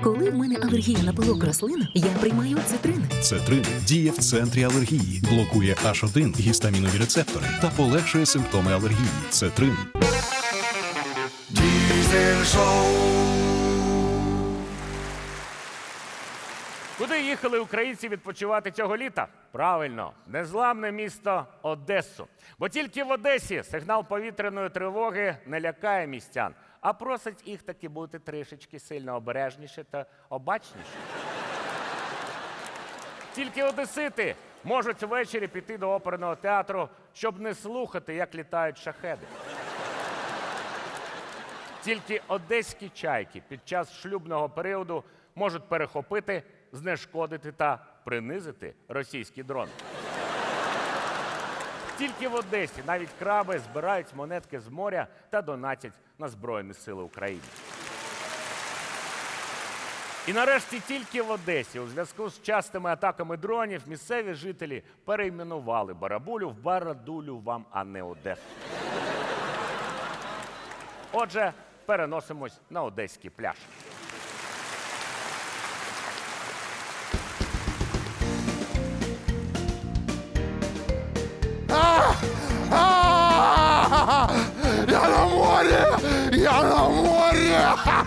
Коли в мене алергія на пилок рослин, я приймаю цитрин. Цетрин діє в центрі алергії, блокує H1 гістамінові рецептори та полегшує симптоми алергії. Цетрин. Diesel Show. Куди їхали українці відпочивати цього літа? Правильно, незламне місто Одесу. Бо тільки в Одесі сигнал повітряної тривоги не лякає містян, а просить їх таки бути трішечки сильно обережніше та обачніше. Тільки одесити можуть ввечері піти до оперного театру, щоб не слухати, як літають шахеди. Тільки одеські чайки під час шлюбного періоду можуть перехопити, знешкодити та принизити російський дрон. Тільки в Одесі навіть краби збирають монетки з моря та донатять на Збройні Сили України. І нарешті тільки в Одесі у зв'язку з частими атаками дронів місцеві жителі перейменували Барабулю в Барадулю вам, а не Одесу. Отже, переносимось на одеський пляж. Я на морі! Я на морі!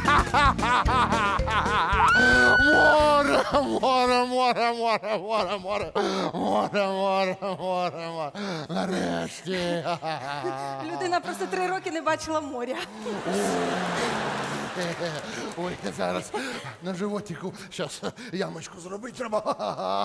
Море, море, море, море, море, море, море, море, море, море. Нарешті. Людина просто 3 роки не бачила моря. Ой, зараз на животику зараз ямочку зробити треба.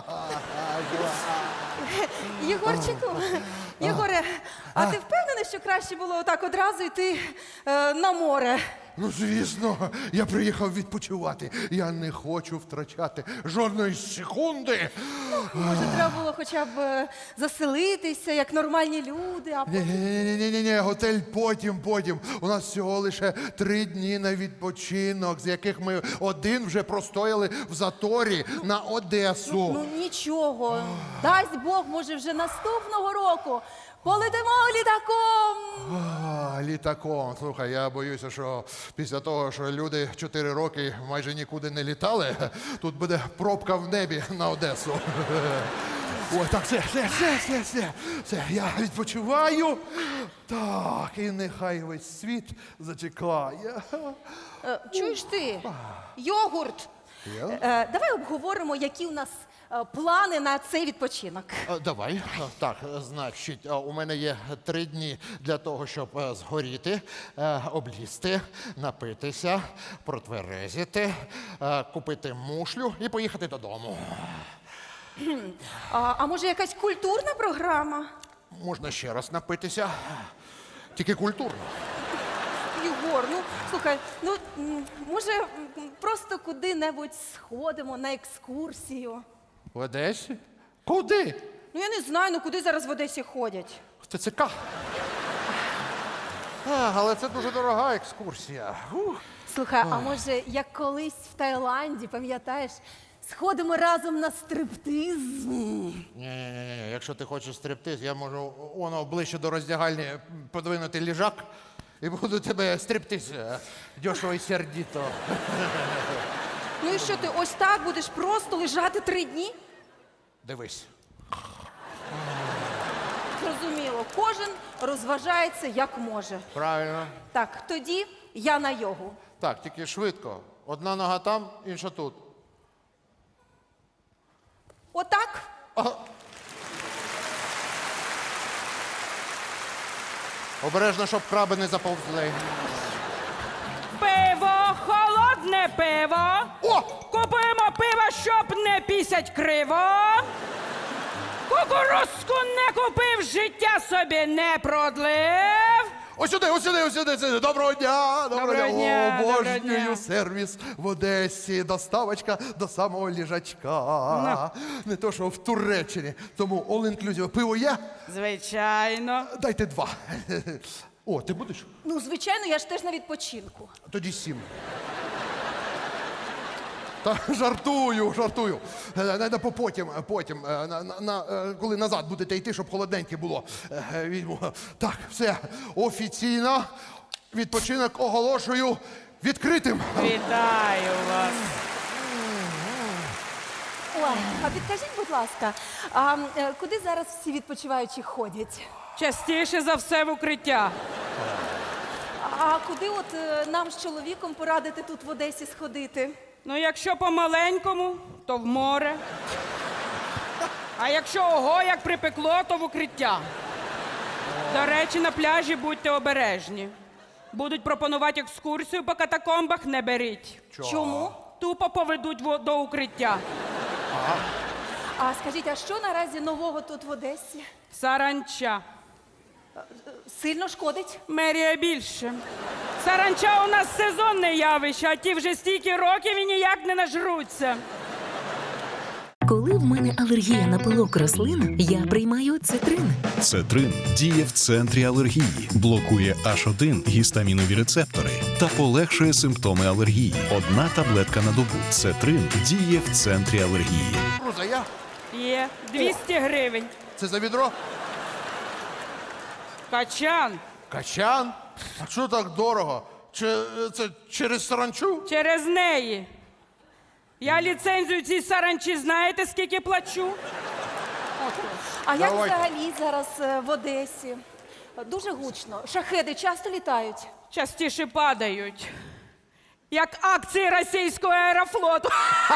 Єгорчику, Єгоре, а ти впевнений, що краще було отак одразу йти на море? Ну, звісно, я приїхав відпочивати. Я не хочу втрачати жодної секунди. Може, треба було хоча б заселитися, як нормальні люди, а потім... Ні, готель потім. У нас всього лише 3 дні на відпочинок, з яких ми один вже простояли в заторі на Одесу. Ну нічого, дасть Бог, може вже наступного року полетимо літаком. Літаком. Слухай, я боюся, що після того, що люди 4 роки майже нікуди не літали, тут буде пробка в небі на Одесу. Ой, так, все, я відпочиваю. Так, і нехай весь світ зачекає. Чуєш ти, йогурт? Давай обговоримо, які у нас плани на цей відпочинок. Давай. Так, значить, у мене є 3 дні для того, щоб згоріти, облізти, напитися, протверезити, купити мушлю і поїхати додому. А може якась культурна програма? Можна ще раз напитися, тільки культурно. Єгор, ну слухай, може просто куди-небудь сходимо на екскурсію? В Одесі? Куди? Ну я не знаю, куди зараз в Одесі ходять. В ТЦК. Але це дуже дорога екскурсія. Слухай, а може як колись в Таїланді, пам'ятаєш, сходимо разом на стриптиз? Ні, якщо ти хочеш стриптиз, я можу воно ближче до роздягальні подвинути ліжак і буду тебе стриптиз дешево і сердито. Ну і що ти ось так будеш просто лежати 3 дні? Дивись. Зрозуміло, кожен розважається як може. Правильно. Так, тоді я на йогу. Так, тільки швидко. Одна нога там, інша тут. Отак? Обережно, щоб краби не заповзли. Пиво, холодне пиво. О! Купуємо пиво, щоб не пісять криво. Кукурузку не купив, життя собі не продлив. Ось сюди. Доброго дня. Доброго дня, Обожнюю доброго дня. сервіс в Одесі. Доставочка до самого ліжачка. Не то, що в Туреччині. Тому all-inclusive. Пиво є? Звичайно. Дайте 2. О, ти будеш? Ну, звичайно, я ж теж на відпочинку. Тоді 7. Та жартую. Потім, коли назад будете йти, щоб холодненьке було. Візьму. Так, все, офіційно відпочинок оголошую відкритим. Вітаю вас. Ой, а підкажіть, будь ласка, куди зараз всі відпочиваючі ходять? Частіше за все в укриття. А куди от нам з чоловіком порадити тут в Одесі сходити? Ну, якщо по-маленькому, то в море. А якщо ого, як припекло, то в укриття. До речі, на пляжі будьте обережні. Будуть пропонувати екскурсію по катакомбах, не беріть. Чому? Тупо поведуть до укриття. А скажіть, а що наразі нового тут в Одесі? Саранча. Сильно шкодить? Мерія більше. Саранча у нас сезонне явище, а ті вже стільки років і ніяк не нажруться. Коли в мене алергія на пилок рослин, я приймаю цитрин. Цетрин діє в центрі алергії, блокує H1 гістамінові рецептори та полегшує симптоми алергії. Одна таблетка на добу. Цетрин діє в центрі алергії. Руза, я? Є 200 гривень. Це за відро? Качан. Качан? А що так дорого? Це через саранчу? Через неї. Я ліцензію цій саранчі знаєте, скільки плачу? А як Давайте. взагалі зараз в Одесі? Дуже гучно. Шахеди часто літають. Частіше падають. Як акції російського аерофлоту.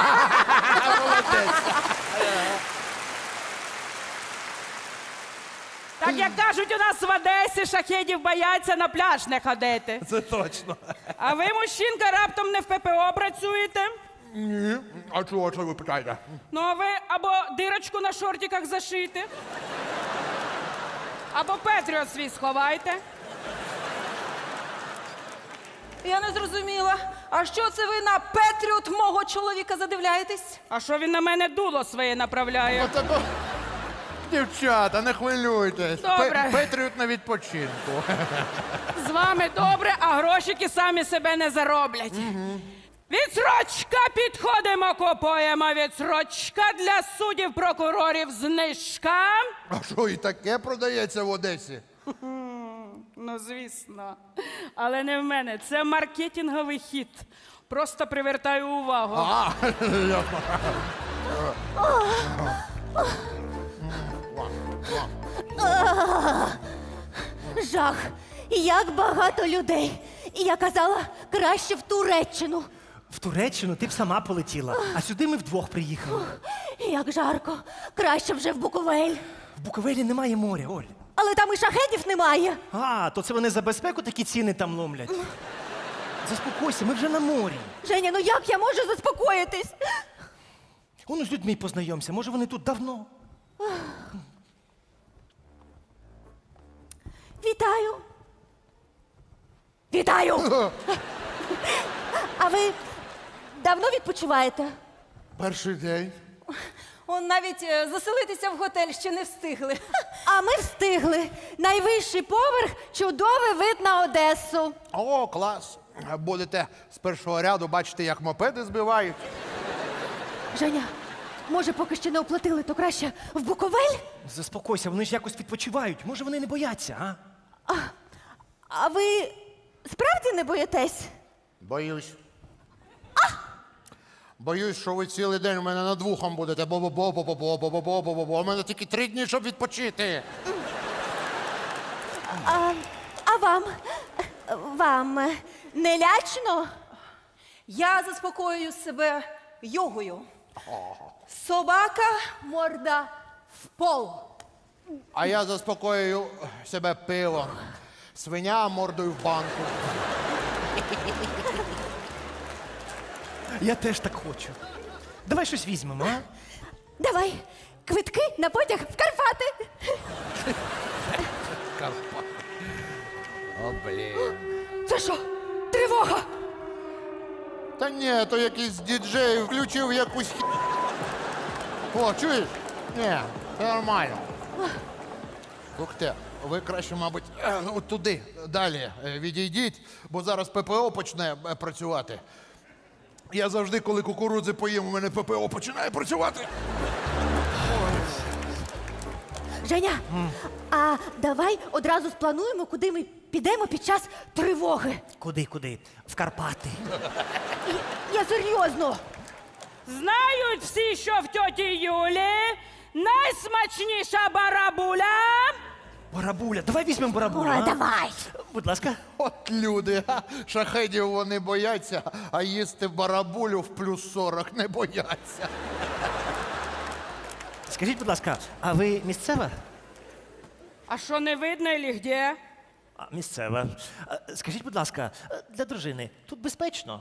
Так як кажуть, у нас в Одесі шахедів бояться на пляж не ходити. Це точно. А ви, мужчинка, раптом не в ППО працюєте? Ні. А чого ви питаєте? Ну, а ви або дирочку на шортиках зашити, або Петріот свій сховайте. Я не зрозуміла. А що це ви на Петріот мого чоловіка задивляєтесь? А що він на мене дуло своє направляє? Дівчата, не хвилюйтесь. Добре. Петріот на відпочинку. З вами добре, а грошики самі себе не зароблять. Відсрочка, підходимо, купуємо відсрочка для суддів, прокурорів, знижка. А що, і таке продається в Одесі? Ну, звісно. Але не в мене. Це маркетинговий хід. Просто привертаю увагу. А, Жах! Як багато людей! І я казала, краще в Туреччину. В Туреччину ти б сама полетіла, а сюди ми вдвох приїхали. Як жарко! Краще вже в Буковель. В Буковелі немає моря, Оль. Але там і шахедів немає. А, то це вони за безпеку такі ціни там ломлять. Заспокойся, ми вже на морі. Женя, ну як я можу заспокоїтись? Воно з людьми познайомся, може вони тут давно. Вітаю! Вітаю! А ви давно відпочиваєте? перший день. Он навіть заселитися в готель ще не встигли. А ми встигли. Найвищий поверх, чудовий вид на Одесу. О, клас. Будете з першого ряду бачити, як мопеди збивають. Женя, може, поки ще не оплатили, то краще в Буковель? Заспокойся, вони ж якось відпочивають. Може вони не бояться, а? А ви справді не боїтесь? Боюсь. Боюсь, що ви цілий день у мене над вухом будете. Бо-бо-бо-бо-бо-бо-бо-бо-бо. У мене тільки 3 дні, щоб відпочити. А вам? Вам не лячно? Я заспокоюю себе йогою. Собака, морда в пол. А я заспокоюю себе пивом. Свиня мордою в банку. Я теж так хочу. Давай щось візьмемо, а? Давай, квитки на потяг в Карпати. О, блін. Це що? Тривога! Та ні, то якийсь діджей включив якусь О, чуєш? Ні, це нормально. Слухайте, ви краще, мабуть, от туди, далі відійдіть, бо зараз ППО почне працювати. Я завжди, коли кукурудзи поїм, у мене ППО починає працювати. Женя, а давай одразу сплануємо, куди ми підемо під час тривоги. Куди? В Карпати. Я серйозно. Знають всі, що в тьоті Юлі найсмачніша барабуля. Барабуля, давай візьмемо барабулю. Ой, а? давай. Будь ласка. От люди, шахедів вони бояться, а їсти барабулю в плюс 40 не бояться. Скажіть, будь ласка, а ви місцева? А що не видно или где? А, місцева. Скажіть, будь ласка, для дружини тут безпечно?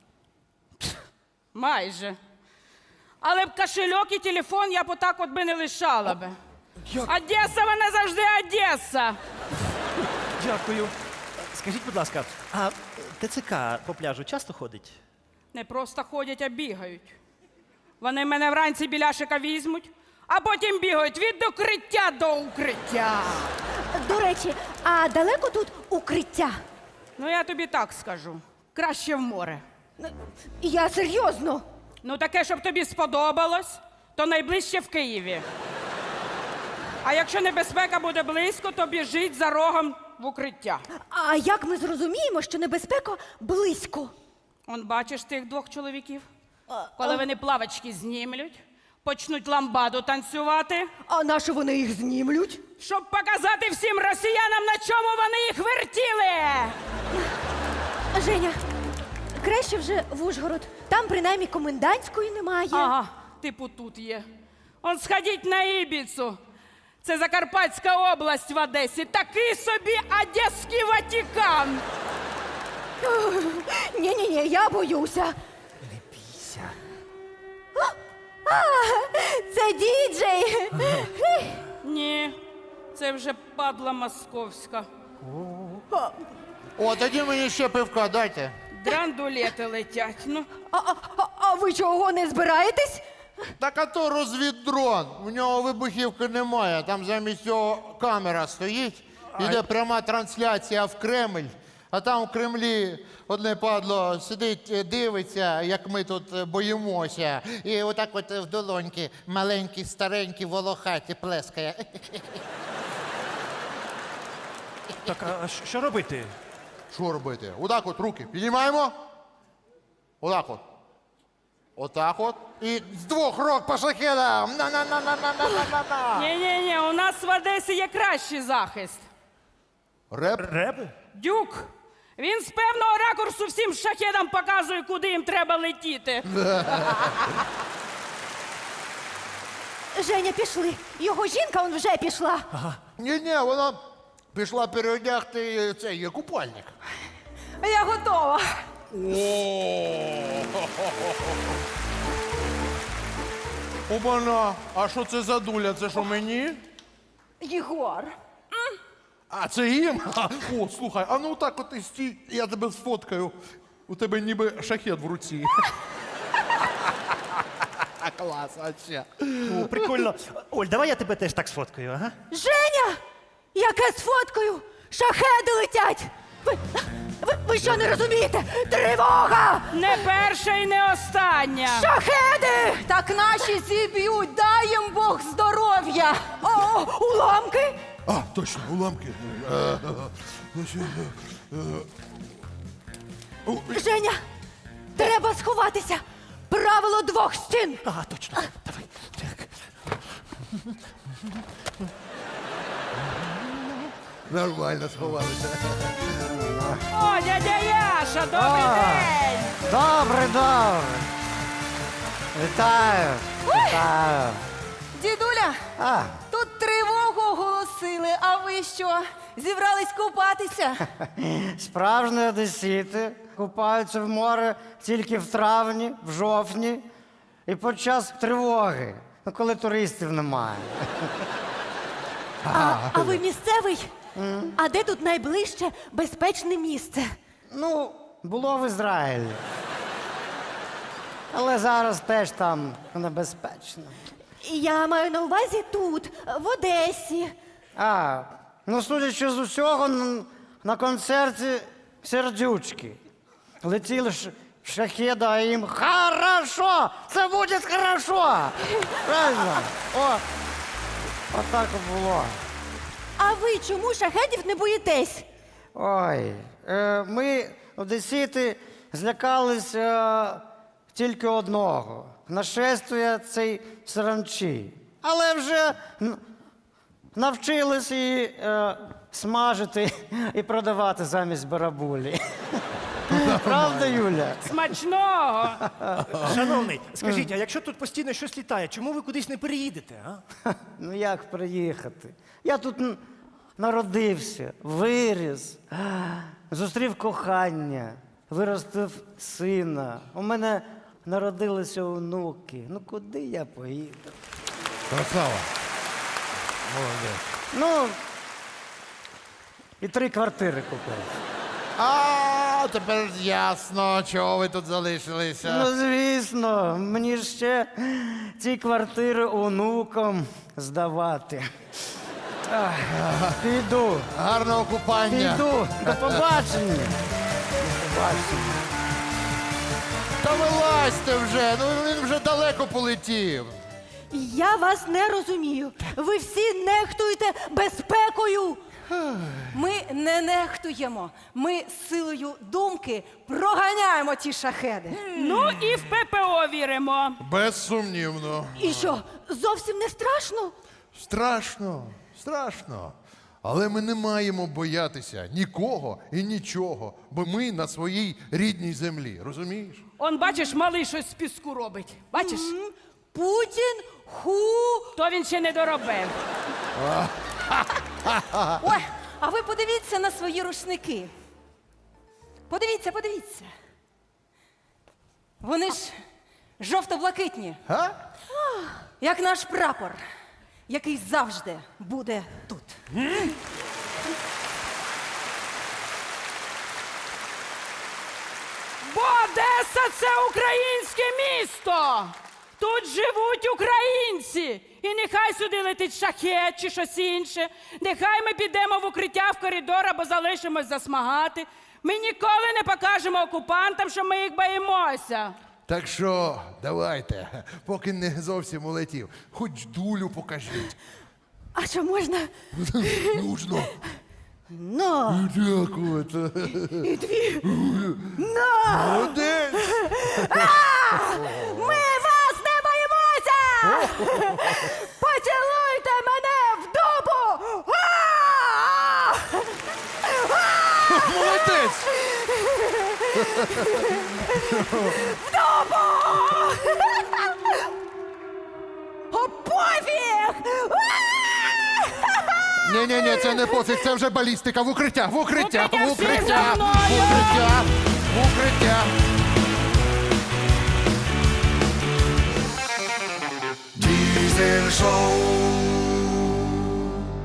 Майже. Але б кошельок і телефон я б отак от би не лишала би. Одеса, вона завжди Одеса. Дякую. Скажіть, будь ласка, а ТЦК по пляжу часто ходить? Не просто ходять, а бігають. Вони мене вранці біляшика візьмуть, а потім бігають від укриття до укриття. До речі, а далеко тут укриття? Ну, я тобі так скажу. Краще в море. Я серйозно. Ну, таке, щоб тобі сподобалось, то найближче в Києві. А якщо небезпека буде близько, то біжить за рогом в укриття. А як ми зрозуміємо, що небезпека близько? Он бачиш тих двох чоловіків? Коли вони плавочки знімлють, почнуть ламбаду танцювати, А на що вони їх знімлють? щоб показати всім росіянам, на чому вони їх вертіли. Женя, краще вже в Ужгород. Там принаймні комендантської немає. Ага, типу тут є. Он сходіть на Ібіцу. Це Закарпатська область в Одесі. Такий собі Одеський Ватикан. Ні-ні-ні, я боюся. Не бійся. Це діджей. Ні, це вже падла московська. О, тоді мені ще пивка дайте. Драндулети летять. Ну, А ви чого не збираєтесь? Так а то розвіддрон. У нього вибухівки немає. Там замість цього камера стоїть. Іде пряма трансляція в Кремль. А там в Кремлі одне падло сидить, дивиться, як ми тут боїмося. І отак от в долоньки маленькі, старенькі, волохаті плескає. Так, а що робити? Що робити? Отак от руки піднімаємо. Отак от. Отак от. І з двох рук по шахедам. На-на-на-на-на-на-на-на. ні-ні-ні, у нас в Одесі є кращий захист. Реп. Реби? Дюк. Він з певного ракурсу всім шахедам показує, куди їм треба летіти. Женя, пішли. Його жінка он вже пішла. Ні-ні, вона пішла переодягти цей купальник. Я готова. Обана, а що це за дуля? Це що мені? Єгор. А це їм? О, слухай, а ну так от і стій, я тебе сфоткаю. У тебе ніби шахет в руці. Клас, а ще. О, прикольно. Оль, давай я тебе теж так сфоткаю, ага? Женя! Яке з фоткою? Шахеди летять! Ви що не розумієте? Тривога! Не перша і не остання. Шахеди! Так наші зіб'ють, дай їм Бог здоров'я. О, уламки! А, точно, уламки. Женя, треба сховатися! Правило двох стін! Ага, точно. Давай. Так. Нормально сховалися. О, дядя Яша, добрий день! Добре, добре. Вітаю. Вітаю. Дідуля, А, тут тривогу оголосили, а ви що? Зібрались купатися? справжні одесіти купаються в море тільки в травні, в жовтні і під час тривоги, ну, коли туристів немає. А ви місцевий? А де тут найближче безпечне місце? Ну, було в Ізраїлі. Але зараз теж там небезпечно. Я маю на увазі тут, в Одесі. А, ну, судячи з усього, на концерті сердючки. Летіли шахеди, а їм «Хорошо! Це буде хорошо!» Правильно? О, отак і було. А ви чому шахедів не боїтесь? Ой, ми, одесіти, злякалися тільки одного. нашествує цей саранчі. Але вже навчились її смажити і продавати замість барабулі. Правда, Юля? Смачного! Шановний, скажіть, а якщо тут постійно щось літає, чому ви кудись не переїдете, а? Ну як приїхати? Я тут народився, виріс, зустрів кохання, виростив сина. У мене народилися онуки. Ну куди я поїду? Красава. Молодець. Ну, і 3 квартири купив. А, тепер ясно, чого ви тут залишилися. Ну, звісно, мені ж ще ці квартири онукам здавати. Ах, піду, Гарного купання. піду. До побачення. До побачення. Та вилазьте вже, ну він вже далеко полетів. Я вас не розумію. Ви всі нехтуєте безпекою. Ми не нехтуємо. Ми силою думки проганяємо ті шахеди. Ну і в ППО віримо. Безсумнівно. І що, зовсім не страшно? Страшно, страшно. Але ми не маємо боятися нікого і нічого, бо ми на своїй рідній землі, розумієш? Он, бачиш, малий щось з піску робить. Бачиш? Путін ху. То він ще не доробив. Ой, а ви подивіться на свої рушники. Подивіться, подивіться. Вони ж жовто-блакитні, А? як наш прапор, який завжди буде тут. Бо Одеса – це українське місто. Тут живуть українці. І нехай сюди летить шахет чи щось інше. Нехай ми підемо в укриття в коридор або залишимось засмагати. Ми ніколи не покажемо окупантам, що ми їх боїмося. Так що давайте, поки не зовсім улетів, хоч дулю покажіть. А що можна? Нужно. Ну, Дякую. і 2. На! Молодець. Ми вас не боїмося! Поцілуйте мене в дубу! Молодець. О, пофіг! Ні, це не пофіг, це вже балістика. В укриття, в укриття, Укриття, в всі укриття, за в мною! укриття, в укриття. Diesel Show.